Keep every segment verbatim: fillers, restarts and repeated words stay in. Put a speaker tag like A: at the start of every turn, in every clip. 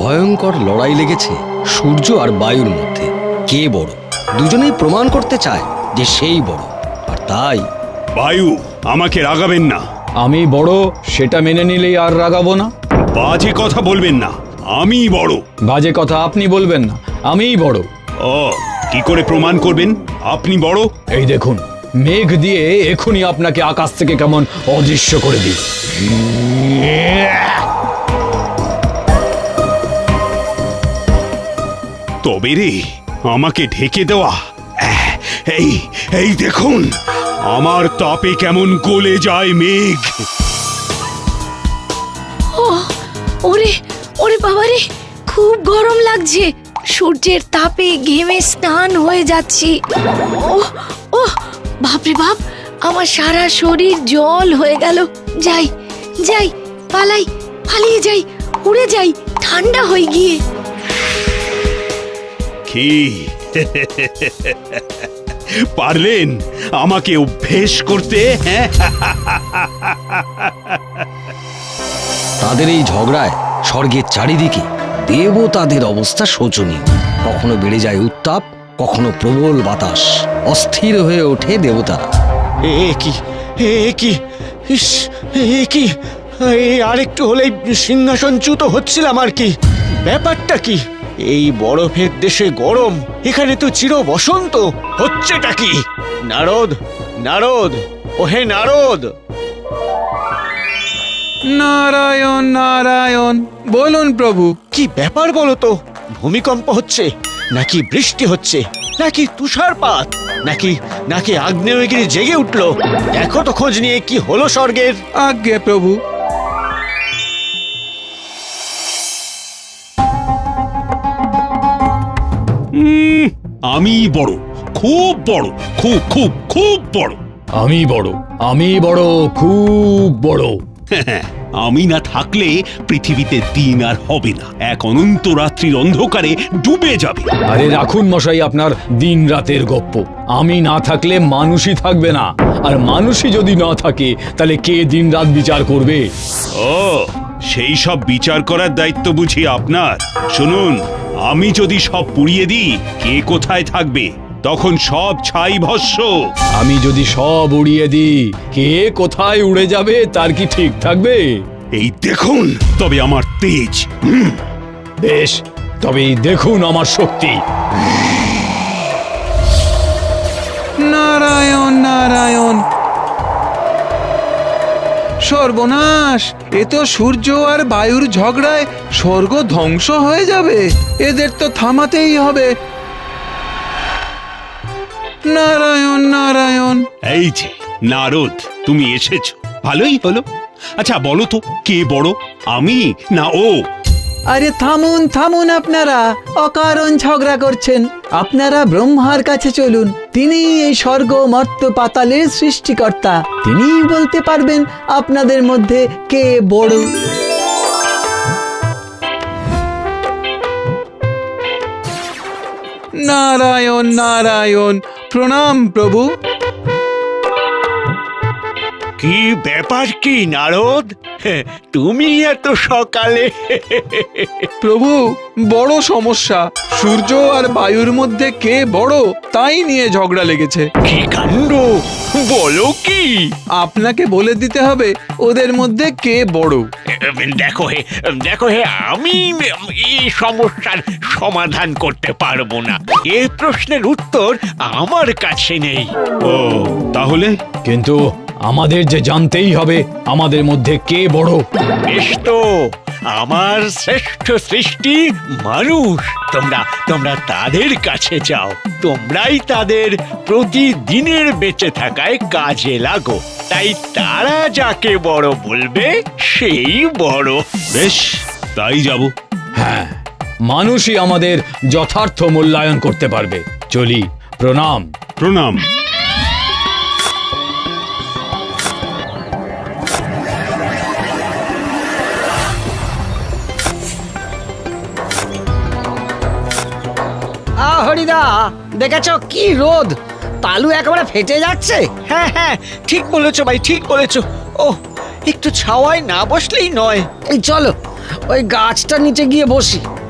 A: ভয়ঙ্কর লড়াই লেগেছে সূর্য আর বায়ুর মধ্যে। কে বড়? দুজনেই প্রমাণ করতে চায় যে সেই বড়। আর তাই
B: বায়ু, আমাকে রাগাবেন না।
C: আমি বড় সেটা মেনে নিলেই আর রাগাবো না।
B: বাজে কথা বলবেন না, আমি বড়।
C: বাজে কথা আপনি বলবেন না, আমিই বড়।
B: ও, কি করে প্রমাণ করবেন আপনি বড়?
C: এই দেখুন, মেঘ দিয়ে এখনই আপনাকে আকাশ থেকে কেমন অদৃশ্য করে দিই।
B: তবে রে, আমাকে ঢেকে দেওয়া। আহ, এই এই দেখুন, আমার তাপে কেমন গলে যায় মেঘ।
D: ও ওরে ওরে বাবারে, খুব গরম লাগছে। সূর্যের তাপে ঘেমে স্নান হয়ে যাচ্ছি। ও ও বাপরে বাপ, আমার সারা শরীর জল হয়ে গেল। যাই যাই, পালাই, পালিয়ে যাই, উড়ে যাই ঠান্ডা হয়ে গিয়ে।
B: কি পারলেন আমাকে অভ্যেস করতে? হ্যাঁ,
A: তাদের এই ঝগড়ায় স্বর্গের চারিদিকে দেবতাদের অবস্থা শোচনীয়। কখনো বেড়ে যায় উত্তাপ, কখনো প্রবল বাতাস। অস্থির হয়ে ওঠে দেবতারা।
E: এ কি এ কি ইস, এ কি এই আরেকটু হলেই সিংহাসনচ্যুত হচ্ছিলাম আর কি। ব্যাপারটা কি? এই বরফের দেশে গরম, এখানে তো চির বসন্ত। হচ্ছেটা কি? নারদ, নারদ, ওহে নারদ!
F: নারায়ণ নারায়ণ, বলুন প্রভু।
E: কি ব্যাপার বলো তো? ভূমিকম্প হচ্ছে নাকি বৃষ্টি হচ্ছে নাকি তুষারপাত নাকি নাকি আগ্নেয়গিরি জেগে উঠলো? দেখো তো খোঁজ নিয়ে কি হলো স্বর্গের।
F: আজ্ঞে প্রভু।
B: উম, আমি বড়, খুব বড়, খুব খুব খুব বড়।
C: আমি বড়, আমি বড়, খুব বড়।
B: আমি না থাকলে পৃথিবীতে দিন আর হবে না, এক অনন্ত রাত্রির অন্ধকারে ডুবে যাবে।
C: আরে রাখুন মশাই আপনার দিন রাতের গপ্প। আমি না থাকলে মানুষই থাকবে না, আর মানুষই যদি না থাকে তাহলে কে দিন রাত বিচার করবে?
B: ও, সেই সব বিচার করার দায়িত্ব বুঝি আপনার? শুনুন, আমি যদি সব পুড়িয়ে দিই, কে কোথায় থাকবে? তখন সব ছাই ভস্ম।
C: আমি যদি সব উড়িয়ে দিই, কে কোথায় উড়ে যাবে তার কি ঠিক থাকবে?
B: এই দেখুন তবে আমার তেজ। হুম,
C: বেশ, তবেই দেখুন আমার শক্তি।
F: নারায়ণ নারায়ণ। সর্বনাশ, এ তো সূর্য আর বায়ুর ঝগড়ায় স্বর্গ ধ্বংস হয়ে যাবে। এদের তো থামাতেই হবে। নারায়ণ নারায়ণ।
B: এই যে নারদ, তুমি এসেছো, ভালোই হলো। আচ্ছা বলো তো, কে বড়, আমি না ও?
G: আরে থামুন থামুন, আপনারা অকারণ ঝগড়া করছেন। আপনারা ব্রহ্মার কাছে চলুন, তিনি এই স্বর্গ মর্ত পাতালের সৃষ্টিকর্তা। তিনিই বলতে পারবেন আপনাদের মধ্যে কে বড়।
F: নারায়ণ নারায়ণ, প্রণাম প্রভু।
E: কি ব্যাপার কি নারদ? তুমি এত সকালে?
F: প্রভু, বড় সমস্যা। সূর্য আর বায়ুর মধ্যে কে বড় তাই নিয়ে ঝগড়া লেগেছে।
E: কি কাণ্ড! বলো কি?
F: আপনাকে বলে দিতে হবে ওদের মধ্যে কে বড়।
E: দেখো হে, দেখো হে, আমি এই সমস্যার সমাধান করতে পারবো না। এ প্রশ্নের উত্তর আমার কাছে নেই।
B: ও, তাহলে?
C: কিন্তু আমাদের যে জানতেই হবে আমাদের মধ্যে কে বড়।
E: বেশ তো, আমার শ্রেষ্ঠ সৃষ্টি মানুষ। তোমরা তোমরা তাদের কাছে যাও, তোমরাই তাদের প্রতিদিনের বেঁচে থাকায় কাজে লাগো। তাই তারা যাকে বড় বলবে সেই বড়।
B: বেশ, তাই যাব।
C: হ্যাঁ, মানুষই আমাদের যথার্থ মূল্যায়ন করতে পারবে। চলি, প্রণাম।
B: প্রণাম।
H: হরিদা, দেখেছো কি রোদ? তালু একেবারে ফেটে যাচ্ছে।
E: হ্যাঁ হ্যাঁ, ঠিক বলেছো ভাই, ঠিক বলেছো। ও, একটু ছাওয়ায় না বসলেই নয়।
H: এই চলো ওই গাছটার নিচে গিয়ে বসি।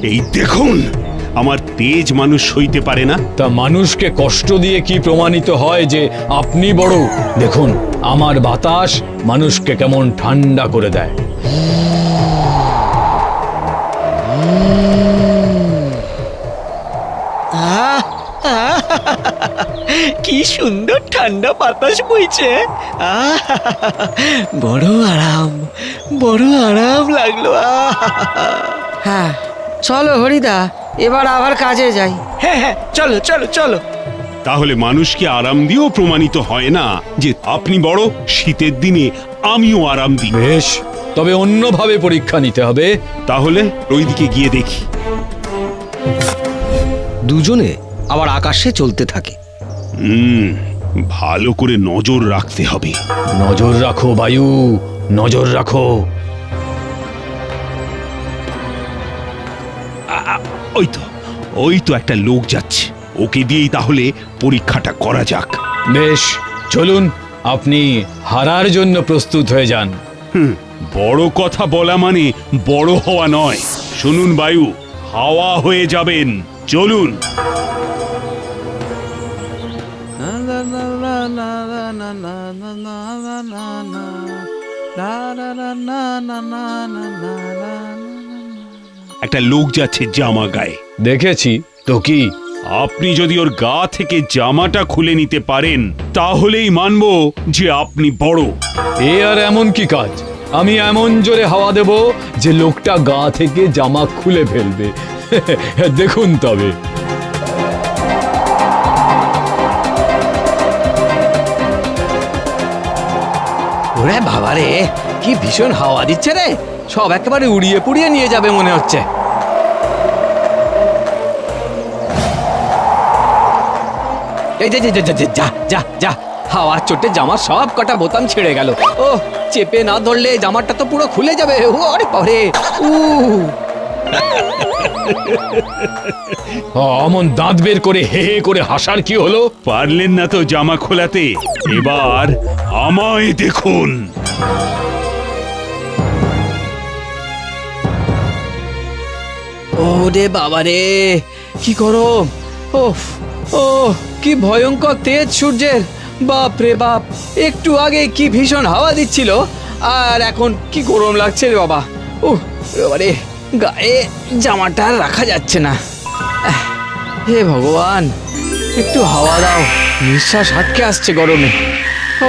B: এই দেখুন, আমার তেজ মানুষ সইতে পারে না।
C: তা মানুষকে কষ্ট দিয়ে কি প্রমাণিত হয় যে আপনি বড়? দেখুন, আমার বাতাস মানুষকে কেমন ঠান্ডা করে দেয়।
E: আহ, আহ, কি সুন্দর ঠান্ডা বাতাস বইছে। আহ, বড় আরাম, বড় আরাম লাগলো। আহ,
H: হ্যাঁ চলো হরিদা, এবার আবার কাজে যাই।
E: হ্যাঁ হ্যাঁ, চলো চলো চলো।
B: তাহলে মানুষকে আরাম দিয়েও প্রমাণিত হয় না যে আপনি বড়, শীতের দিনে আমিও আরাম দিই।
C: বেশ, তবে অন্যভাবে পরীক্ষা নিতে হবে।
B: তাহলে ওইদিকে গিয়ে দেখি।
A: দুজনে আবার আকাশে চলতে থাকে।
B: হুম, ভালো করে নজর রাখতে হবে।
C: নজর রাখো বায়ু, নজর রাখো।
B: আ- আ, ওই তো, ওই তো একটা লোক যাচ্ছে। ওকে দিয়েই তাহলে পরীক্ষাটা করা যাক।
C: বেশ, চলুন, আপনি হারার জন্য প্রস্তুত হয়ে যান।
B: হুম, বড় কথা বলা মানে বড় হওয়া নয়। শুনুন বায়ু, হাওয়া হয়ে যাবেন। চলুন। একটা লোক যাচ্ছে জামা গায়ে।
C: দেখেছি তো, কি?
B: আপনি যদি ওর গা থেকে জামাটা খুলে নিতে পারেন, তাহলেই মানবো যে আপনি বড়।
C: এ আর এমন কি কাজ? আমি এমন জোরে হাওয়া দেব যে লোকটা গা থেকে জামা খুলে ফেলবে। দেখুন তবে।
I: ওরে বাবারে, কি ভীষণ হাওয়া দিচ্ছে রে! সব একেবারে উড়িয়ে পুড়িয়ে নিয়ে যাবে মনে হচ্ছে। এই যে, যে, যে, যে, যে, যা যা যা, হাওয়ার চোটে জামার সব কটা বোতাম ছিঁড়ে গেল। ও, চেপে না ধরলে জামাটা তো পুরো খুলে যাবে। ওরে বাবারে, উ
C: অমন দাঁত বের করে হে হে করে হাসার কি হলো?
B: পারলেন না তো জামা খোলাতে, এবার আমায় দেখুন।
I: ওরে বাবারে, কি গরম! ওফ, ও কি ভয়ঙ্কর তেজ সূর্যের! বাপ রে বাপ, একটু আগে কি ভীষণ হাওয়া দিচ্ছিল, আর এখন কি গরম লাগছে রে বাবা। উহ, বাবারে, গায়ে জামাটা আর রাখা যাচ্ছে না। আহ, হে ভগবান, একটু হাওয়া দাও, নিঃশ্বাস আটকে আসছে গরমে। ও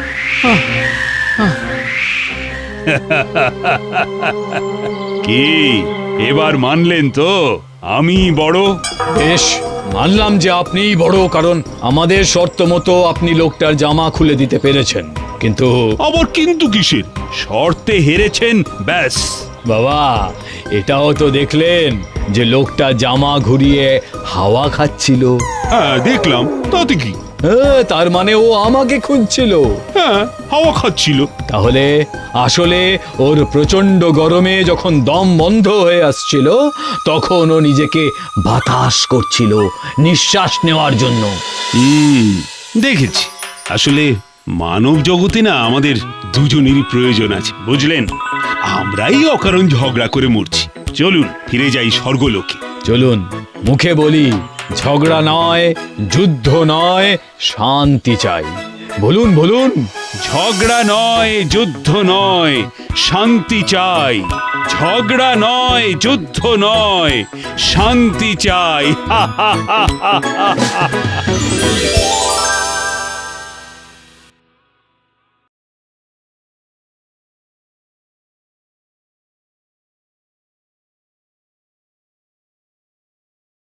B: কি এবার মানলেন তো আমি বড়?
C: বেশ, মানলাম যে আপনিই বড়, কারণ আমাদের শর্ত মতো আপনি লোকটার জামা খুলে দিতে পেরেছেন। কিন্তু
B: আবার কিন্তু কিসের? শর্তে হেরেছেন, ব্যাস।
C: বাবা, এটাও তো দেখলেন যে লোকটা জামা ঘুরিয়ে হাওয়া খাচ্ছিল।
B: হ্যাঁ দেখলাম, তাতে কি?
C: হ্যাঁ, তার মানে ও আমাকে খুঁজছিল।
B: হ্যাঁ, হাওয়া খাচ্ছিল।
C: তাহলে আসলে ওর প্রচন্ড গরমে যখন দম বন্ধ হয়ে আসছিল, তখন ও নিজেকে বাতাস করছিল নিঃশ্বাস নেওয়ার জন্য।
B: হুম, দেখেছি। আসলে মানব জগতে না আমাদের দুজনেরই প্রয়োজন আছে, বুঝলেন? আমরাই অকারণ ঝগড়া করে মরছি। চলুন ফিরে যাই স্বর্গলোকে।
C: চলুন, মুখে বলি ঝগড়া নয়, যুদ্ধ নয়, শান্তি চাই। বলুন বলুন।
B: ঝগড়া নয়, যুদ্ধ নয়, শান্তি চাই। ঝগড়া নয়, যুদ্ধ নয়, শান্তি চাই। হা হা হা হা হা।